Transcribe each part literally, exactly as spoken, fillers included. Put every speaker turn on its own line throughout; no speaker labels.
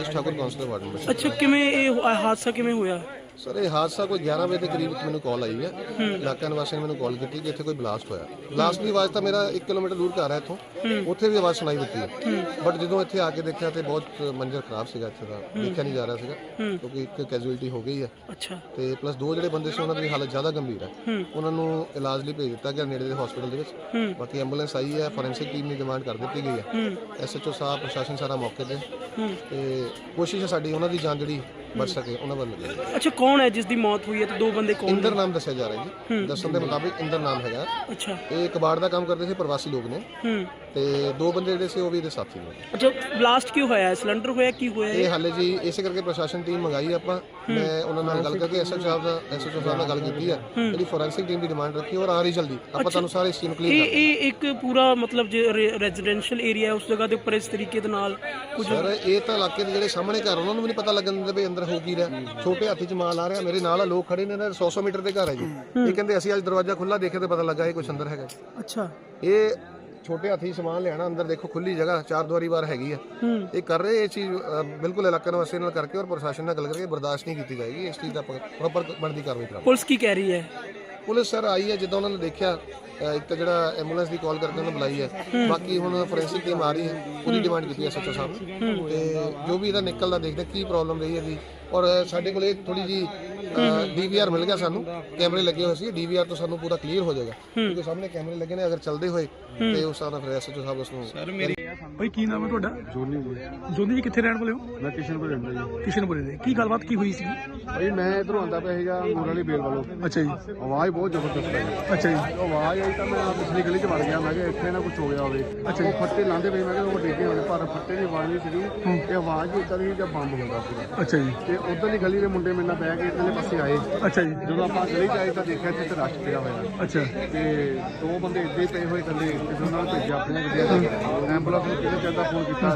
आशीष Thakur councillor ward number.
अच्छा किवें ਇਹ ਹਾਦਸਾ ਕਿਵੇਂ ਹੋਇਆ?
सर ये हादसा कोई ग्यारह बजे के करीब मैंने कॉल आई है, इलाका निवासी ने मैंने कॉल की कि इतने कोई ब्लास्ट होया। ब्लास्ट की आवाज़ तो मेरा एक किलोमीटर दूर घर है इतों, उत्थे भी आवाज़ सुनाई देती है, बट जो इतने आके देखा तो बहुत मंजर खराब सीगा, इत्थे दा देखा नहीं जा रहा सीगा क्योंकि एक कैजुअलिटी हो गई है।
अच्छा
ते प्लस दो ਜਿਹੜੇ ਬੰਦੇ ਸੀ ਉਹਨਾਂ ਦੀ ਹਾਲਤ ਜ਼ਿਆਦਾ ਗੰਭੀਰ ਹੈ, ਉਹਨਾਂ ਨੂੰ ਇਲਾਜ ਲਈ ਭੇਜ ਦਿੱਤਾ ਗਿਆ ਨੇੜੇ ਦੇ ਹਸਪੀਟਲ ਦੇ ਵਿੱਚ। ਬਾਕੀ ਐਂਬੂਲੈਂਸ ਆਈ ਹੈ, ਫੋਰੈਂਸਿਕ ਟੀਮ ਦੀ ਡਿਮਾਂਡ ਕਰ ਦਿੱਤੀ ਗਈ ਹੈ, ਐਸਐਚਓ ਸਾਹਿਬ ਪ੍ਰਸ਼ਾਸਨ ਸਾਰਾ ਮੌਕੇ ਤੇ ਤੇ ਕੋਸ਼ਿਸ਼ ਹੈ ਸਾਡੀ ਉਹਨਾਂ ਦੀ ਜਾਨ ਜਿਹੜੀ ਬਚ ਸਕੇ ਉਹਨਾਂ ਵੱਲ ਲੱਗੇ।
ਅੱਛਾ ਕੌਣ ਹੈ ਜਿਸ ਦੀ ਮੌਤ ਹੋਈ ਹੈ ਤੇ ਦੋ ਬੰਦੇ ਕੌਣ?
ਇੰਦਰ ਨਾਮ ਦੱਸਿਆ ਜਾ ਰਿਹਾ ਜੀ, ਦੱਸਣ ਦੇ ਮੁਤਾਬਿਕ ਇੰਦਰ ਨਾਮ ਹੈਗਾ।
ਅੱਛਾ
ਇਹ ਕਬਾੜ ਦਾ ਕੰਮ ਕਰਦੇ ਸੀ, ਪ੍ਰਵਾਸੀ ਲੋਕ ਨੇ, ਤੇ ਦੋ ਬੰਦੇ ਜਿਹੜੇ ਸੀ ਉਹ ਵੀ ਇਹਦੇ ਸਾਥੀ ਨੇ।
ਅੱਛਾ ਬਲਾਸਟ ਕਿਉਂ ਹੋਇਆ? ਸਿਲੰਡਰ ਹੋਇਆ ਕੀ ਹੋਇਆ?
ਇਹ ਹਾਲੇ ਜੀ ਇਸੇ ਕਰਕੇ ਪ੍ਰਸ਼ਾਸਨ ਟੀਮ ਮੰਗਾਈ ਆਪਾਂ, ਮੈਂ ਉਹਨਾਂ ਨਾਲ ਗੱਲ ਕਰਕੇ ਐਸਐਚਓ ਸਾਹਿਬ ਦਾ ਐਸਐਚਓ ਸਾਹਿਬ ਨਾਲ ਗੱਲ ਕੀਤੀ ਹੈ, ਜਿਹੜੀ ਫੋਰੈਂਸਿਕ ਟੀਮ ਦੀ ਡਿਮਾਂਡ ਰੱਖੀ ਔਰ ਆ ਰਹੀ ਜਲਦੀ ਆਪਾਂ ਤੁਹਾਨੂੰ ਸਾਰੇ ਇਸ ਚੀਜ਼ ਨੂੰ ਕਲੀਅਰ
ਇਹ ਇਹ ਇੱਕ ਪੂਰਾ ਮਤਲਬ ਜੇ ਰੈਜ਼ੀਡੈਂਸ਼ੀਅਲ ਏਰੀਆ ਉਸ ਜਗ੍ਹਾ ਦੇ ਉੱਪਰ ਇਸ ਤਰੀਕੇ ਦੇ ਨਾਲ ਕੁਝ।
ਸਰ ਇਹ ਤਾਂ ਇਲਾਕੇ ਦੇ ਜਿਹੜੇ ਸਾਹਮਣੇ ਘਰ ਉਹਨਾਂ ਨੂੰ ਵੀ ਨਹੀਂ ਪਤਾ ਲੱਗਣ ਦਿੰਦੇ ਵੀ ਅੰਦਰ ਹੋ ਕੀ ਰਿਹਾ। ਛੋਟੇ ਹਾਥੀ ਚ ਮਾਲ ਆ ਰਿਹਾ, ਮੇਰੇ ਨਾਲ ਆ ਲੋਕ ਖੜੇ ਨੇ ਨਾ, ਸੌ ਸੌ ਮੀਟਰ ਦੇ ਘਰ ਹੈ ਜੀ। ਇਹ ਕਹਿੰਦੇ ਅਸੀਂ ਅੱਜ ਦਰਵਾਜ਼ਾ ਖੁੱਲਾ ਦੇਖੇ ਤੇ ਪਤਾ ਲੱਗਾ ਇਹ ਕੁਛ ਅੰਦਰ ਹੈਗਾ।
ਅੱਛਾ
ਇਹ ਛੋਟੇ ਹਾਥੀ ਸਮਾਨ ਲੈਣਾ ਅੰਦਰ, ਦੇਖੋ ਖੁੱਲੀ ਜਗ੍ਹਾ ਚਾਰ ਦੁਆਰੀ ਬਾਰ ਹੈਗੀ ਆ, ਇਹ ਕਰ ਰਹੇ ਇਹ ਚੀਜ਼ ਬਿਲਕੁਲ ਇਲਾਕਾ ਨਿਵਾਸੀ ਨਾਲ ਕਰਕੇ ਔਰ ਪ੍ਰਸ਼ਾਸਨ ਨਾਲ ਗੱਲ ਕਰਕੇ ਬਰਦਾਸ਼ਤ ਨਹੀਂ ਕੀਤੀ ਜਾਏਗੀ। ਇਸ ਚੀਜ਼ ਦਾ ਪ੍ਰੋਪਰ ਬਣਦੀ ਕਾਰਵਾਈ ਕਰਾਂਗੇ।
ਪੁਲਿਸ ਕੀ ਕਹਿ ਰਹੀ ਹੈ?
ਪੁਲਿਸ ਸਰ ਆਈ ਹੈ, ਜਿੱਦਾਂ ਉਹਨਾਂ ਨੇ ਦੇਖਿਆ ਇੱਕ ਤਾਂ ਜਿਹੜਾ ਐਂਬੂਲੈਂਸ ਦੀ ਕਾਲ ਕਰਕੇ ਉਹਨਾਂ ਬੁਲਾਈ ਹੈ, ਬਾਕੀ ਹੁਣ ਫੋਰੈਂਸਿਕ ਟੀਮ ਆ ਰਹੀ ਹੈ, ਉਹਦੀ ਡਿਮਾਂਡ ਕੀਤੀ ਹੈ ਐਸਐਚਓ ਸਾਹਿਬ ਨੇ, ਤੇ ਜੋ ਵੀ ਇਹਦਾ ਨਿਕਲਦਾ ਦੇਖਦੇ ਕੀ ਪ੍ਰੋਬਲਮ ਰਹੀ ਇਹਦੀ। ਔਰ ਸਾਡੇ ਕੋਲ ਇਹ ਥੋੜੀ ਜੀ ਡੀਵੀਆਰ ਮਿਲ ਗਿਆ ਸਾਨੂੰ, ਕੈਮਰੇ ਲੱਗੇ ਹੋਏ ਸੀ, ਡੀਵੀਆਰ ਤੋਂ ਸਾਨੂੰ ਪੂਰਾ ਕਲੀਅਰ ਹੋ ਜਾਏਗਾ ਕਿਉਂਕਿ ਸਾਹਮਣੇ ਕੈਮਰੇ ਲੱਗੇ ਨੇ, ਅਗਰ ਚੱਲਦੇ ਹੋਏ ਤੇ ਉਸ ਹਿਸਾਬ ਨਾਲ ਫਿਰ ਐਸਐਚਓ ਸਾਹਿਬ ਉਸ ਨੂੰ।
ਸਰ ਮੇਰੀ ਭਾਈ ਕੀ ਨਾਮ ਹੈ ਤੁਹਾਡਾ? ਜੋਨੀ ਜੀ। ਜੋਨੀ ਜੀ ਕਿੱਥੇ ਰਹਿਣ ਵਾਲੇ ਹੋ?
ਮੈਂ ਕਿਸ਼ਨਪੁਰ ਰਹਿੰਦਾ ਜੀ।
ਕਿਸ਼ਨਪੁਰੇ ਦੇ। ਕੀ ਗੱਲਬਾਤ ਕੀ ਹੋਈ ਸੀ?
ਭਾਈ ਮੈਂ ਇਧਰੋਂ ਆਉਂਦਾ ਪਿਆ ਸੀਗਾ ਮੂਰ ਵਾਲੀ ਬੇਲ ਵੱਲੋਂ।
ਅੱਛਾ ਜੀ।
ਆਵਾਜ਼ ਬਹੁਤ ਜ਼ਬਰਦਸਤ ਆਈ।
ਅੱਛਾ ਜੀ।
ਉਹ ਆਵਾਜ਼ ਆਈ ਤਾਂ ਮੈਂ ਪਿਛਲੀ ਗਲੀ 'ਚ ਵੜ ਗਿਆ, ਮੈਂ ਕਿਹਾ ਇੱਥੇ ਨਾ ਕੁਝ ਹੋ ਗਿਆ ਹੋਵੇ। ਉਹ ਫੱਟੇ ਲਾਉਂਦੇ ਪਏ, ਮੈਂ ਕਿਹਾ ਉਹ ਡਿੱਗੇ ਹੋਣੇ, ਪਰ ਫੱਟੇ ਦੀ ਆਵਾਜ਼ ਨਹੀਂ ਸੀਗੀ, ਤੇ ਆਵਾਜ਼ ਵੀ ਇੱਦਾਂ ਦੀ ਜਾਂ ਬੰਬ ਹੁੰਦਾ ਸੀਗਾ।
ਅੱਛਾ ਜੀ।
ਤੇ ਉਧਰਲੀ ਗਲੀ ਦੇ ਮੁੰਡੇ ਮੇਰੇ ਨਾਲ ਬਹਿ ਕੇ ਇਧਰਲੇ ਪਾਸੇ ਆਏ।
ਅੱਛਾ ਜੀ।
ਜਦੋਂ ਆਪਾਂ ਗਲੀ 'ਚ ਆਏ ਤਾਂ ਦੇਖਿਆ ਇੱਥੇ ਰਸ਼ ਪਿਆ ਹੋਇਆ।
ਅੱਛਾ।
ਤੇ ਦੋ ਬੰਦੇ ਇੱਦਾਂ ਹੀ ਪਏ ਹੋਏ ਥੱਲੇ, ਕਿਸੇ ਉਹਨਾਂ ਨੂੰ ਭੇਜਿਆ ਆਪਣੀਆਂ ਗੱਡੀਆਂ ਦਾ, ਐਂਬੂਲੈਂਸ ਨੂੰ ਕਿਹਨੇ ਚਾਹੁੰਦਾ ਫੋਨ ਕੀਤਾ,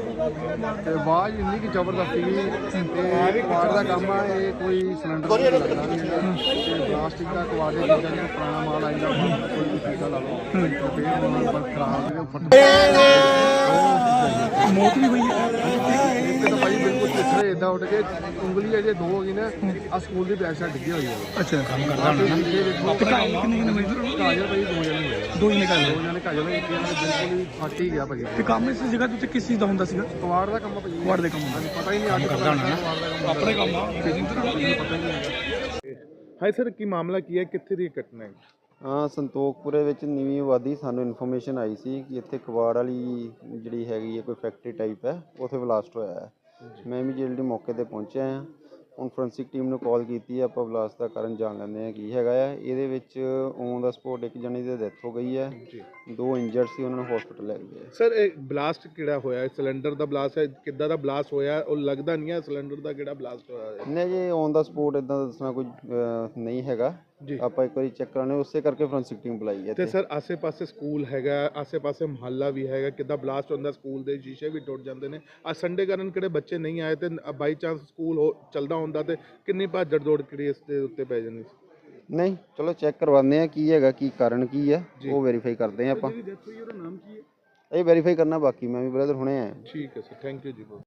ਤੇ ਆਵਾਜ਼ ਇੰਨੀ ਕਿ ਜ਼ਬਰਦਸਤ ਸੀਗੀ। ਤੇ ਕਵਾੜ ਦਾ ਕੰਮ ਆ, ਇਹ ਕੋਈ ਸਿਲੰਡਰ ਨਹੀਂ ਲੱਗਦਾ ਨਹੀਂ ਹੈਗਾ, ਤੇ ਪਲਾਸਟਿਕ ਦਾ ਕਵਾੜ ਦੇ ਚੀਜ਼ਾਂ ਜਿਹੜਾ ਪੁਰਾਣਾ ਮਾਲ ਆ ਜਾਂਦਾ, ਕੋਈ ਵੀ ਚੀਜ਼ਾਂ ਲਾ ਲਓ, ਤੇ ਫਿਰ ਉਹਨਾਂ ਨੂੰ ਖਰਾਬ ਜਿਹੜੇ ਫਟ
ਮੌਤ ਵੀ ਹੋਈ ਹੈ।
ਇੱਕ ਤਾਂ ਭਾਈ ਬਿਲਕੁਲ ਪਿੱਛੇ ਏਦਾਂ ਉੱਡ ਕੇ ਉਂਗਲੀ ਅਜੇ ਦੋ ਹੋ ਗਈ ਨਾ, ਆ ਸਕੂਲ ਦੀ ਬੈਕ ਸਾਈਡ ਡਿੱਗੀ ਹੋਈ ਹੈ।
ਅੱਛਾ ਕੰਮ ਕਰਦਾ ਹੋਣਾ ਨਾ। ਤੇ ਕਾਜ ਕਿੰਨੇ ਕਿੰਨੇ ਹੋਏ?
ਕਾਜਲ ਭਾਈ ਦੋ ਜਣੇ ਹੋਏ,
ਦੋ ਹੀ ਨਿਕਾਲ
ਦੋ ਜਣੇ ਕਾਜਲ ਹੋਏ, ਇੱਕ ਜਣਾ ਬਿਲਕੁਲ ਹੀ ਫਟ ਹੀ ਗਿਆ ਭਾਈ।
ਤੇ ਕੰਮ ਇਸ ਜਗ੍ਹਾ ਦੇ ਉੱਤੇ ਕਿਸ ਚੀਜ਼ ਦਾ ਹੁੰਦਾ ਸੀਗਾ?
ਕਵਾੜ ਦਾ ਕੰਮ ਆ ਭਾਈ।
ਵਾਰਡ ਦੇ ਕੰਮ ਹੁੰਦਾ।
ਪਤਾ ਹੀ ਨਹੀਂ ਅੱਜ
ਕਰਦਾ ਹੋਣਾ ਨਾ।
ਕਵਾੜ ਦਾ ਕੰਮ
ਆਪਣੇ ਕੰਮ ਆ ਕਿਸੇ ਨੂੰ
ਪਤਾ ਹੀ ਨਹੀਂ ਹੈਗਾ।
ਹਾਈ ਸਰ ਕੀ ਮਾਮਲਾ ਕੀ ਹੈ, ਕਿੱਥੇ ਦੀ ਘਟਨਾ ਹੈ?
ਹਾਂ ਸੰਤੋਖਪੁਰੇ ਵਿੱਚ ਨਵੀਂ ਆਬਾਦੀ ਸਾਨੂੰ ਇਨਫੋਰਮੇਸ਼ਨ ਆਈ ਸੀ ਕਿ ਇੱਥੇ ਕਬਾੜ ਵਾਲੀ ਜਿਹੜੀ ਹੈਗੀ ਹੈ ਕੋਈ ਫੈਕਟਰੀ ਟਾਈਪ ਹੈ, ਉੱਥੇ ਬਲਾਸਟ ਹੋਇਆ ਹੈ। ਮੈਂ ਇਮੀਡੀਏਟਲੀ ਮੌਕੇ ਤੇ ਪਹੁੰਚਿਆ ਹਾਂ। ਹੁਣ ਫੋਰੈਂਸਿਕ ਟੀਮ ਨੂੰ ਕਾਲ ਕੀਤੀ ਹੈ, ਆਪਾਂ ਬਲਾਸਟ ਦਾ ਕਾਰਨ ਜਾਣ ਲੈਂਦੇ ਹਾਂ ਕੀ ਹੈਗਾ ਆ। ਇਹਦੇ ਵਿੱਚ ਔਨ ਦਾ ਸਪੋਟ ਇੱਕ ਜਣੇ ਦੀ ਡੈਥ ਹੋ ਗਈ ਹੈ, ਦੋ ਇੰਜਰਡ ਸੀ, ਉਹਨਾਂ ਨੂੰ ਹਸਪੀਟਲ ਲੈ ਗਏ।
ਸਰ ਇਹ ਬਲਾਸਟ ਕਿਹੜਾ ਹੋਇਆ? ਸਿਲੰਡਰ ਦਾ ਬਲਾਸਟ ਹੈ, ਕਿੱਦਾਂ ਦਾ ਬਲਾਸਟ ਹੋਇਆ? ਉਹ ਲੱਗਦਾ ਨਹੀਂ ਹੈ ਸਿਲੰਡਰ ਦਾ ਕਿਹੜਾ ਬਲਾਸਟ ਹੋਇਆ ਹੈ।
ਨਹੀਂ ਜੀ ਔਨ ਦਾ ਸਪੋਟ ਇਦਾਂ ਦੱਸਣਾ ਕੋਈ ਨਹੀਂ ਹੈਗਾ, ਆਪਾਂ ਇੱਕ ਵਾਰੀ ਚੈੱਕ ਕਰਾਉਣੇ, ਉਸੇ ਕਰਕੇ ਫੋਰੈਂਸਿਕ ਟੀਮ ਬੁਲਾਈ ਹੈ।
ਤੇ ਸਰ ਆਸੇ-ਪਾਸੇ ਸਕੂਲ ਹੈਗਾ, ਆਸੇ-ਪਾਸੇ ਮੁਹੱਲਾ ਵੀ ਹੈਗਾ, ਕਿੱਦਾਂ ਬਲਾਸਟ ਹੁੰਦਾ? ਸਕੂਲ ਦੇ ਸ਼ੀਸ਼ੇ ਵੀ ਟੁੱਟ ਜਾਂਦੇ ਨੇ। ਅੱਜ ਸੰਡੇ ਕਾਰਨ ਕਿਹੜੇ ਬੱਚੇ ਨਹੀਂ ਆਏ, ਤੇ ਬਾਈ ਚਾਂਸ ਸਕੂਲ ਹੋ ਚੱਲਦਾ ਹੁੰਦਾ ਤੇ ਕਿੰਨੀ ਭਾਜੜ ਦੌੜ ਕਿਹੜੀ ਇਸ ਦੇ ਉੱਤੇ ਪੈ ਜਾਂਦੀ ਸੀ?
ਨਹੀਂ ਚਲੋ ਚੈੱਕ ਕਰਵਾਉਂਦੇ ਆ ਕੀ ਹੈਗਾ, ਕੀ ਕਾਰਨ ਕੀ ਹੈ, ਉਹ ਵੈਰੀਫਾਈ ਕਰਦੇ ਆ ਆਪਾਂ। ਇਹ ਵੈਰੀਫਾਈ ਕਰਨਾ ਬਾਕੀ, ਮੈਂ ਵੀ ਬ੍ਰਦਰ ਹੁਣੇ ਆਇਆ।
ਠੀਕ ਹੈ ਸਰ, ਥੈਂਕ ਯੂ ਜੀ।